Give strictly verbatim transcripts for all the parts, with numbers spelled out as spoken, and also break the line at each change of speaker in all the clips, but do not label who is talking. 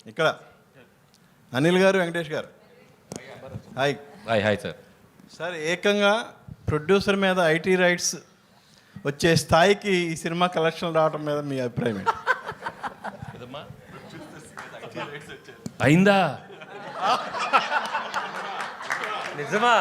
ఇక్కడ అనిల్ గారు, వెంకటేష్ గారు, hi.
Hi hi sir.
Sir, ఏకంగా ప్రొడ్యూసర్ మీద ఐటీ రైట్స్ వచ్చే స్థాయికి ఈ సినిమా కలెక్షన్ రావడం మీద మీ అభిప్రాయం ఏంటి?
అయిందా?
నిజమా?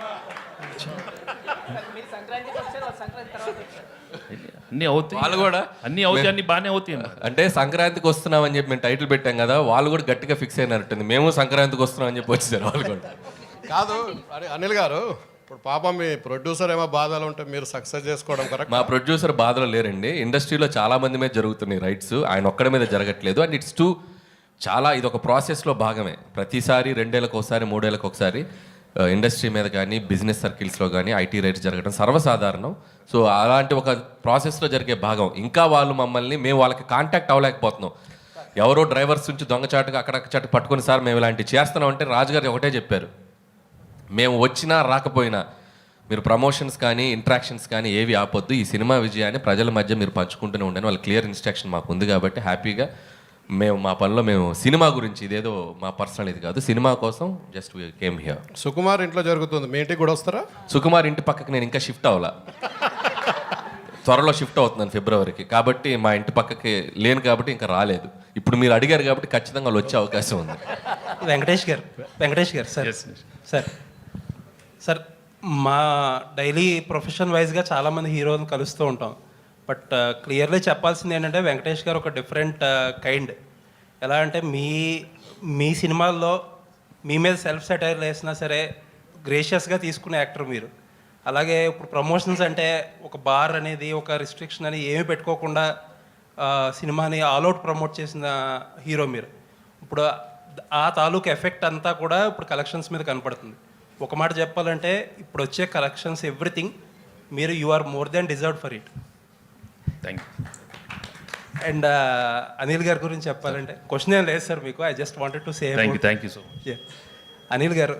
అన్నీ అవుతాయి,
వాళ్ళు కూడా
అన్నీ అవుతాయి, అన్నీ బాగానే అవుతాయి.
అంటే సంక్రాంతికి వస్తున్నాం అని చెప్పి మేము టైటిల్ పెట్టాం కదా, వాళ్ళు కూడా గట్టిగా ఫిక్స్ అయినట్టుంది. మేము సంక్రాంతికి వస్తున్నాం అని చెప్పి వచ్చేసారు వాళ్ళు కూడా.
కాదు అరే అనిల్ గారు, ఇప్పుడు పాపం మీ ప్రొడ్యూసర్ ఏమో బాధలు ఉంటే మీరు సక్సెస్ చేసుకోవడం కరెక్ట్.
మా ప్రొడ్యూసర్ బాధలో లేరండి. ఇండస్ట్రీలో చాలా మంది మీద జరుగుతున్నాయి రైట్స్, ఆయన ఒక్కడి మీద జరగట్లేదు. అండ్ ఇట్స్ టూ చాలా ఇది ఒక ప్రాసెస్లో భాగమే. ప్రతిసారి రెండేళ్ళకి ఒకసారి మూడేళ్ళకి ఒకసారి ఇండస్ట్రీ మీద కానీ బిజినెస్ సర్కిల్స్లో కానీ ఐటీ రైట్స్ జరగడం సర్వసాధారణం. సో అలాంటి ఒక ప్రాసెస్లో జరిగే భాగం. ఇంకా వాళ్ళు మమ్మల్ని మేము వాళ్ళకి కాంటాక్ట్ అవ్వలేకపోతున్నాం. ఎవరో డ్రైవర్స్ నుంచి దొంగచాటుగా అక్కడక్కడ పట్టుకొని సార్ మేము ఇలాంటివి చేస్తున్నాం అంటే రాజుగారు ఒకటే చెప్పారు, మేము వచ్చినా రాకపోయినా మీరు ప్రమోషన్స్ కానీ ఇంట్రాక్షన్స్ కానీ ఏవి ఆపొద్దు, ఈ సినిమా విజయాన్ని ప్రజల మధ్య మీరు పంచుకుంటూనే ఉండండి. వాళ్ళ క్లియర్ ఇన్స్ట్రక్షన్ మాకు ఉంది కాబట్టి హ్యాపీగా మేము మా పనిలో మేము సినిమా గురించి, ఇదేదో మా పర్సనల్ ఇది కాదు, సినిమా కోసం just we came here.
Sukumar ఇంట్లో జరుగుతుంది, మీ ఇంటికి కూడా వస్తారా?
సుకుమార్ ఇంటి పక్కకి నేను ఇంకా షిఫ్ట్ అవ్వాలా, త్వరలో షిఫ్ట్ అవుతున్నాను ఫిబ్రవరికి. కాబట్టి మా ఇంటి పక్కకి లేను కాబట్టి ఇంకా రాలేదు. ఇప్పుడు మీరు అడిగారు కాబట్టి ఖచ్చితంగా వాళ్ళు వచ్చే అవకాశం ఉంది.
వెంకటేష్ గారు, వెంకటేష్ గారు సార్ సార్ సార్ మా డైలీ ప్రొఫెషన్ వైజ్గా చాలామంది హీరోలను కలుస్తూ ఉంటాం. బట్ క్లియర్లీ చెప్పాల్సింది ఏంటంటే వెంకటేష్ గారు ఒక డిఫరెంట్ కైండ్. ఎలా అంటే మీ మీ సినిమాల్లో మీ మీద సెల్ఫ్ సెటైర్ వేసినా సరే గ్రేషియస్గా తీసుకునే యాక్టర్ మీరు. అలాగే ఇప్పుడు ప్రమోషన్స్ అంటే ఒక బార్ అనేది ఒక రిస్ట్రిక్షన్ అని ఏమీ పెట్టుకోకుండా సినిమాని ఆల్అవుట్ ప్రమోట్ చేసిన హీరో మీరు. ఇప్పుడు ఆ తాలూకు ఎఫెక్ట్ అంతా కూడా ఇప్పుడు కలెక్షన్స్ మీద కనపడుతుంది. ఒక మాట చెప్పాలంటే ఇప్పుడు వచ్చే కలెక్షన్స్ ఎవ్రీథింగ్ మీరు you are more than deserved for it.
Thank you.
And Anil గారి గురించి చెప్పాలంటే క్వశ్చన్ ఏం లేదు సార్ మీకు, I just wanted to say.
Thank you thank you so much.
Anil గారు,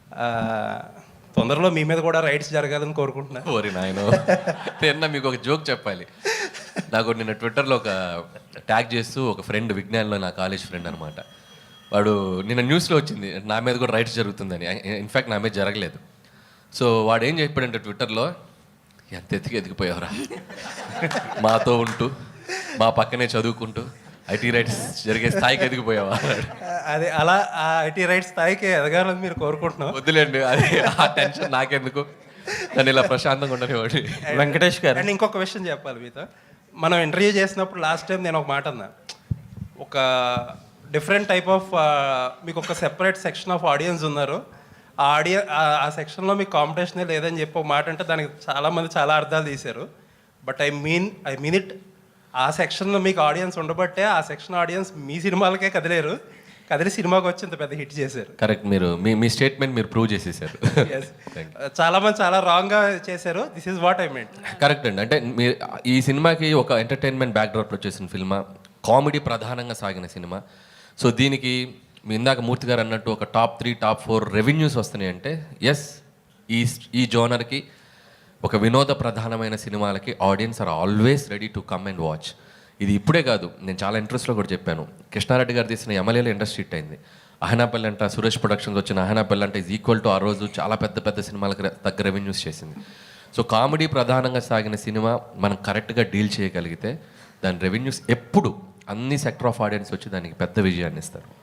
తొందరలో మీ మీద కూడా రైట్స్ జరగాలని కోరుకుంటున్నాను.
ఓరి నాయనో, నిన్న మీకు ఒక జోక్ చెప్పాలి. నాకు నిన్న ట్విట్టర్లో ఒక ట్యాగ్ చేస్తూ ఒక ఫ్రెండ్, విజ్ఞాన్లో నా కాలేజ్ ఫ్రెండ్ అనమాట, వాడు నిన్న న్యూస్లో వచ్చింది నా మీద కూడా రైట్స్ జరుగుతుందని. ఇన్ఫ్యాక్ట్ నా మీద జరగలేదు. సో వాడు ఏం చెప్పాడంటే ట్విట్టర్లో, ఎంత ఎత్తికి ఎదిగిపోయావురా, మాతో ఉంటూ మా పక్కనే చదువుకుంటూ ఐటీ రైట్స్ జరిగే స్థాయికి ఎదిగిపోయావా?
అదే అలా ఆ ఐటీ రైట్స్ స్థాయికి ఎదగాలని మీరు కోరుకుంటున్నాం.
వద్దులేండి, అది ఆ టెన్షన్ నాకెందుకు, దాన్ని ఇలా ప్రశాంతంగా ఉండనివ్వండి.
వెంకటేష్ గారు, అండ్ ఇంకొక విషయం చెప్పాలి మీతో. మనం ఇంటర్వ్యూ చేసినప్పుడు లాస్ట్ టైం నేను ఒక మాట అన్నా, ఒక డిఫరెంట్ టైప్ ఆఫ్ మీకు ఒక సెపరేట్ సెక్షన్ ఆఫ్ ఆడియన్స్ ఉన్నారు, ఆ ఆడియన్ ఆ సెక్షన్లో మీకు కాంపిటీషనే లేదని చెప్పి ఒక మాట అంటే దానికి చాలామంది చాలా అర్థాలు తీశారు. But I mean I mean it ఆ సెక్షన్లో మీకు ఆడియన్స్ ఉండబట్టే ఆ సెక్షన్ ఆడియన్స్ మీ సినిమాలకే కదిలేరు, కదిలి సినిమాకి వచ్చి ఇంత పెద్ద హిట్ చేశారు.
కరెక్ట్, మీరు మీ మీ స్టేట్మెంట్ మీరు ప్రూవ్ చేసేసారు.
చాలా మంది చాలా రాంగ్గా చేశారు. This is what I meant.
Correct అండి. అంటే మీరు ఈ సినిమాకి ఒక ఎంటర్టైన్మెంట్ బ్యాక్డ్రాప్లో చేసిన సినిమా, కామెడీ ప్రధానంగా సాగిన సినిమా. సో దీనికి మీ ఇందాక మూర్తి గారు అన్నట్టు ఒక top three top four revenues వస్తున్నాయి అంటే ఎస్, ఈ ఈ జోనర్కి ఒక వినోద ప్రధానమైన సినిమాలకి audience are always ready to come and watch. ఇది ఇప్పుడే కాదు, నేను చాలా ఇంట్రెస్ట్లో కూడా చెప్పాను. కృష్ణారెడ్డి గారు తీసిన ఎమ్మెల్యేలో ఇండస్ట్రీ హిట్ అయింది. అహనాపల్లి అంట, సురేష్ ప్రొడక్షన్స్ వచ్చిన అహనాపల్లి అంటే ఈజ్ ఈక్వల్ టు ఆ రోజు చాలా పెద్ద పెద్ద సినిమాలకు తగ్గ రెవెన్యూస్ చేసింది. సో కామెడీ ప్రధానంగా సాగిన సినిమా మనం కరెక్ట్గా డీల్ చేయగలిగితే దాని రెవెన్యూస్ ఎప్పుడు అన్ని సెక్టర్ ఆఫ్ ఆడియన్స్ వచ్చి దానికి పెద్ద విజయాన్ని ఇస్తారు.